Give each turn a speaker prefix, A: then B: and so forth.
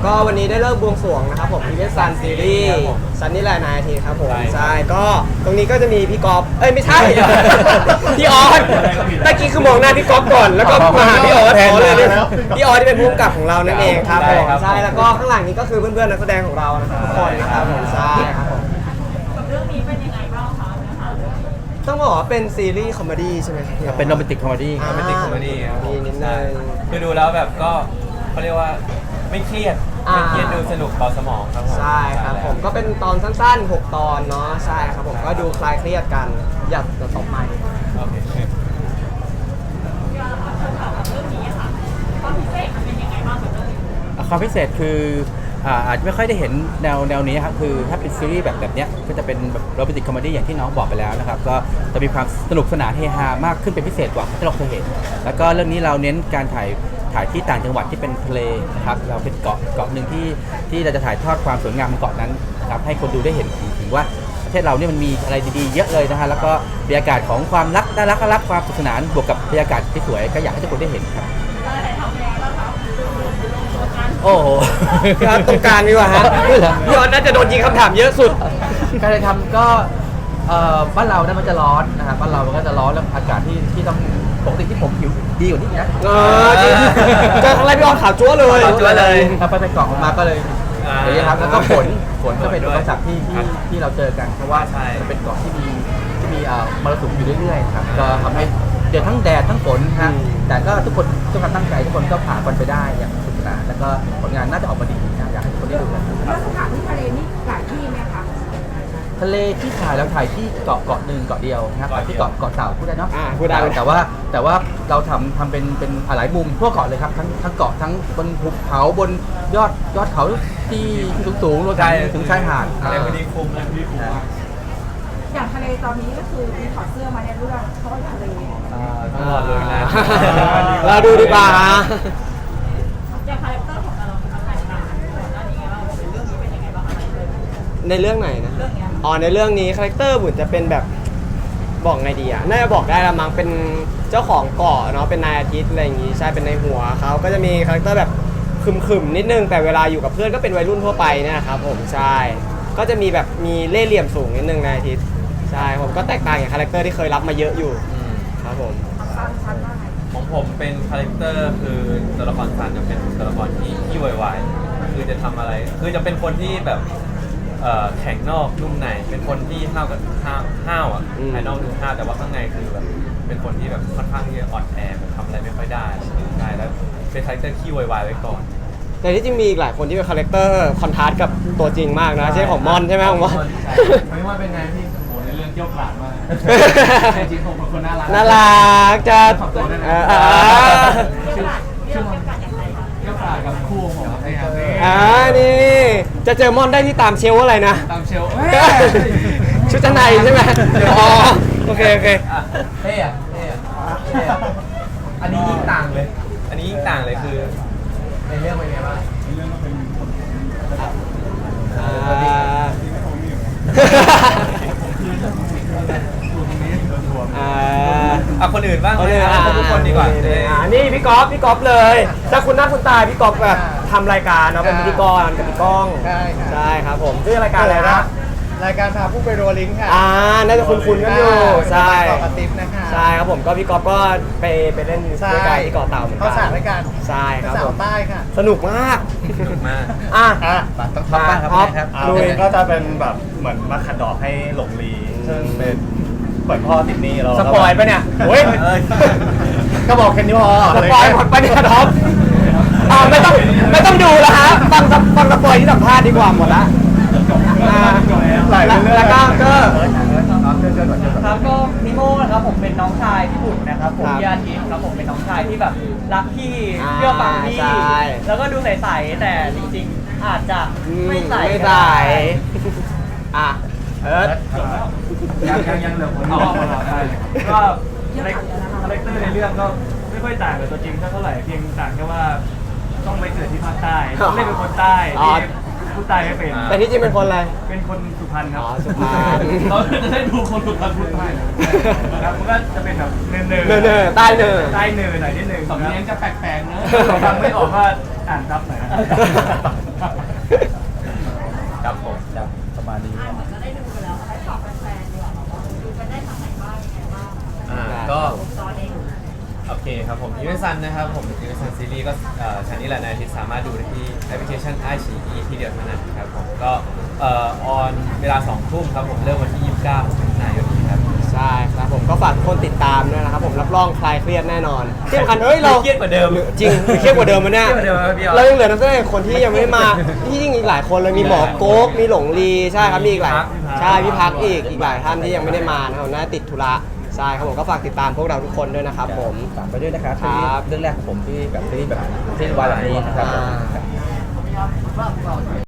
A: ก็วันนี้ได้เลิกบวงสรวงนะครับผมอีเวนต์ซันซีรีส์ซันนี่แหละนายทีครับผมใช่ก็ตรงนี้ก็จะมีพี่ก๊อฟไม่ใช่ พี่ออสตะกี้คือมองหน้าพี่ก๊อฟก่อนแล้วก็มาหาพี่ออสเลยพี่ออสที่เป็นผู้กำกับของเรานั่นเองครับผมใช่แล้วก็ข้างหลังนี้ก็คือเพื่อนๆนักแสดงของเรานะครับทุกคนนะครับผมใช่ครับผม
B: เรื่องนี้เป็นยังไงบ้างคะนะคะ
A: ต้องบอกว่าเป็นซีรีส์คอมเมดี้ใช่ไหมครับ
C: เป็นโรแมนติกคอมเมดี้
A: โรแมนติกคอมเมดี้มีนิดนึง
D: คือดูแล้วแบบก็เขาเรียกว่าไม่เครียดไม่เครียดดูสนุกเบาสมองครับผม
A: ใช่ครับผมก็เป็นตอนสั้นๆ6ตอนเนาะใช่ครับผมก็ดูคลายเครียดกันอยากจะตบใหม่
D: โอเค
B: เรื่องนี้ค่ะความพิเศษมันเป็นยังไงบ้างกับเรื่องนี้
C: ความพิเศษคืออาจจะไม่ค่อยได้เห็นแนวนี้ครับคือถ้าเป็นซีรีส์แบบเนี้ยก็จะเป็นแบบโรแมนติกคอมเมดี้อย่างที่น้องบอกไปแล้วนะครับก็จะมีความสนุกสนานเฮฮามากขึ้นเป็นพิเศษกว่าที่เราเคยเห็นแล้วก็เรื่องนี้เราเน้นการถ่ายที่ต่างจังหวัดที่เป็นทะเลนะครับเราเป็นเกาะหนึ่งที่เราจะถ่ายทอดความสวยงามของเกาะนั้นนะครับให้คนดูได้เห็นถึงว่าประเทศเราเนี่ยมันมีอะไรดีๆเยอะเลยนะฮะแล้วก็บรรยากาศของความรักน่ารักความสนุกสนานบวกกับบรรยากาศที่สวยก็อยากให้ทุกคนได้เห็นครับ
B: เราได้ทำยังไงบ้างคะตัวการ
C: โอ้โห
A: พี่ออสตรงกลางดีกว่าฮะพี่ออสน่าจะโดนยิงคำถามเยอะสุด
C: การทำก็บ้านเราเนี่ยมันจะร้อนนะครับบ้านเรามันก็จะร้อนแล้วอากาศที่ต้องปกติที่ผมผิวดีกว่านี้นะ
A: จริงเจอครั้งแรกพี่ออสขาวจั๊วเลย
C: ขาวจั๊วเลยไปเกาะมาก็เลยอย่างนี้ครับแล้วก็ฝนก็เป็นอุปสรรคที่เราเจอกันเพราะว่ามันเป็นเกาะที่มีมรสุมอยู่เรื่อยๆครับก็ทำให้เจอทั้งแดดทั้งฝนครับแต่ก็ทุกคนทุกคนตั้งใจทุกคนก็ผ่านมันไปได้อย่างสนุกสนานแล้วก็ผลงานน่าจะออกมาดีนะอยากให้ทุกคนได้ดูกัน
E: แล้วสถานที่ทะเลนี่หลายที่ไหมคะ
C: ทะเลที่ถ่ายเราถ่ายที่เกาะหนึ่งเกาะเดียวนะครับที่เกาะเต่าพูดได้เนาะ
A: พูดได้
C: แต่ว่าเราทำเป็นหลายมุมทั่วเกาะเลยครับทั้งเกาะทั้งบนภูเขาบนยอดเขาที่สูงรวมถึงชายหาด
D: อะไรพอดีคุ้มเลยพี่คุ้มมาก
E: อย่างทะเลตอนนี้ก็คือมีถอดเสื้อมาในเรื่องเพราะว่าทะเล
D: ตลอดเลยนะ
A: เราดูดีกว่า
B: อย่างคาแรคเตอร์ของเราเป็นอะไรบ้างก่อนหน้านี้ไงบ้างเรื่องนี้เป็นยังไงบ้างอะไรเลย
A: ในเรื่องไหนนะ
B: เรื่องเนี้ย
A: ในเรื่องนี้คาแรคเตอร์บุญจะเป็นแบบบอกไงดีอ่ะน่าจะบอกได้ละมั้งเป็นเจ้าของเกาะเนาะเป็นนายอาทิตย์อะไรอย่างงี้ใช่เป็นในหัวเขาก็จะมีคาแรคเตอร์แบบขึมๆนิดนึงแต่เวลาอยู่กับเพื่อนก็เป็นวัยรุ่นทั่วไปเนี่ยนะครับผมใช่ก็จะมีแบบมีเล่ห์เหลี่ยมสูงนิดนึงนายอาทิตย์ใช่ผมก็แตกต่างจากคาแรคเตอร์ที่เคยรับมาเยอะอยู่ครับผม
E: สั้นว่าไง
D: ของผมเป็นคาแรคเตอร์คือตัวละครซันจะเป็นตัวละครที่วายๆคือจะทำอะไรคือจะเป็นคนที่แบบแข็งนอกนุ่มในเป็นคนที่ห้าวอ่ะภายนอกดูห้าวแต่ว่าข้างในคือแบบเป็นคนที่แบบค่อนข้างที่จะอ่อนแอแบบทำอะไรไม่ค่อยได้ใช่แล้วเป็นคาแรคเตอร์ขี้วายๆไว้ก่อน
A: แต่ที่จริงมีอีกหลายคนที่เป็นคาแรคเตอร์คอนทราสต์กับตัวจริงมากนะเช่นของมอนใช่ไหมของมอน
F: ไม่ว่าเป็นไงพี่โหในเรื่องเกี่ยวกราดมากจริงๆผมเป็นคนน่ารัก
A: น่ารักจะ
F: ขอบตัวด้วยนะ
B: เรื่องการเรื่องการอย่างไรคะ
F: เกี่ยวกราดกับคู่ของผมนี่ครับ
A: นี่จะเจอมอนได้ที่ตามเชลฟ์อะไรนะ
F: ตามเชล
A: ชุดชั้นในใช่ไหมอ๋อโอเค
D: เท่อะอันนี้ยิ่งต่างเลย อันนี้ยิ่งต่างเลยคือในเรื่องเป็นไงบ้าง คนอื่นบ้างทุกคนดีกว่า
A: นี่พี่ก๊อฟเลยถ้าคุณหน้าคุณตายพี่ก๊อฟแบบทำรายการเนาะเป็นพิธีกรกับพี่ก้องใช่ครับผมชื่อรายการอะไรนะ
G: รายการพาผู้ไปโรลลิงค่ะ
A: น่าจะคุ้นๆกันอยู่ใช่
G: เกาะกระติบนะคะ
A: ใช่ครับผมก็พี่ก๊อฟก็ไปเล่นด้วยกันที่เกาะเต่าเหมือนกัน
G: เขาสาวด้วยกัน
A: ใช่ครับ
G: สา
A: ผ
G: ว
A: ม
G: ใต้ค่ะ
A: สนุกมาก
D: สนุกมาก
C: ต้องท็อปบ้างครับ
A: ลุย
G: ก็จะเป็นแบบเหมือนมาขัดดอกให้หลงลีซึ่งเป็นเปิดพ่อติดหนี้เรา
A: สปอยปะเนี่ยโอ้ย
G: ก็บอกแค่นี้พอ
A: สปอยหมดปะเนี่ยท็อปไม่ต้องดูแล้วฮะฟังสปอยที่สัมภาษณ์ดีกว่าหมดละ
G: หลายเรื่อง
A: แล้วก็
H: ครับก็นิโม่นะครับผมเป็นน้องชายพี่บุญนะครับผม
A: ครับ
H: พี่อาทิตย์ครับผมเป็นน้องชายที่แบบรักพี่เชื่อฟังพี่
A: ใช่
H: แล้วก็ดูใสๆแต่จริงๆอาจจะไม่ใส
A: ไม่ใสเอิร์ธ
F: ยังเหลือคนที่รอได้ก็คาแรคเตอร์ในเรื่องก็ไม่ค่อยต่างกับตัวจริงเท่าไหร่เพียงต่างแค่ว่าต้องไปเกิดที่ภาคใต้ต้องเล่นเป็นคนใต้ที่พูดใต้ไม่เป็น
A: แต่ที่จริงเป็นคนอะไร
F: เป็นคนสุพรรณครับ
A: สุพรรณ
F: เราจะได้ดูคนสุพรรณพูดใต้นะครับมันก็จะเป็นแบบเนิน
A: ใต้เนิน
F: ใต้เนินหน่อยนิดนึงสำเนียงจะแปลกๆนะฟังไม่ออกว่าอ่านซับหน่อยนะ
D: ครับผม
C: ครับประมาณนี้
B: เหมือนก็ได้ดูไปแล้วให้ฝากแฟนๆดีกว่าดูกันได้ทางไหนบ้างยังไงบ้าง
D: ก็
B: ตอนเอง
D: โอเคครับผมยูเนซันนะครับผมยูเนซันซีรีส์ก็ชานี้แหละในอาทิตย์สามารถดูได้ที่แอปพลิเคชันไอชีอีที่เดียวเท่านั้นครับผมก็ออนเวลา2 ทุ่มครับผมเริ่มวันที่ 29มิถุนายนนี้ครับ
A: ใช่ครับผมก็ฝากทุกคนติดตามด้วยนะครับผมรับรองคลายเครียดแน่นอนที่สำคัญเฮ้ยเรา
D: เครียดกว่าเดิม
A: จริงเครียดกว่าเดิมมั้ยเนี่ย
D: เครียดกว่าเดิมครับพี่ออส
A: เรายังเหลือนักแสดงคนที่ยังไม่ได้มาที่จริงอีกหลายคนเลยมีหมอโก๊กมีหลงลีใช่ครับมีอีกหลายใช่พี่พักอีกหลายท่านที่ยังไม่ได้มานะครับน่าติดธุระใช่ครับผมก็ฝากติดตามพวกเราทุกคนด้วยนะครับผม
C: ฝากไปด้วยนะครับ
A: ครับ
C: เรื่องแรกของผมที่แบบที่วายแบบนี้นะครับ
A: อ่า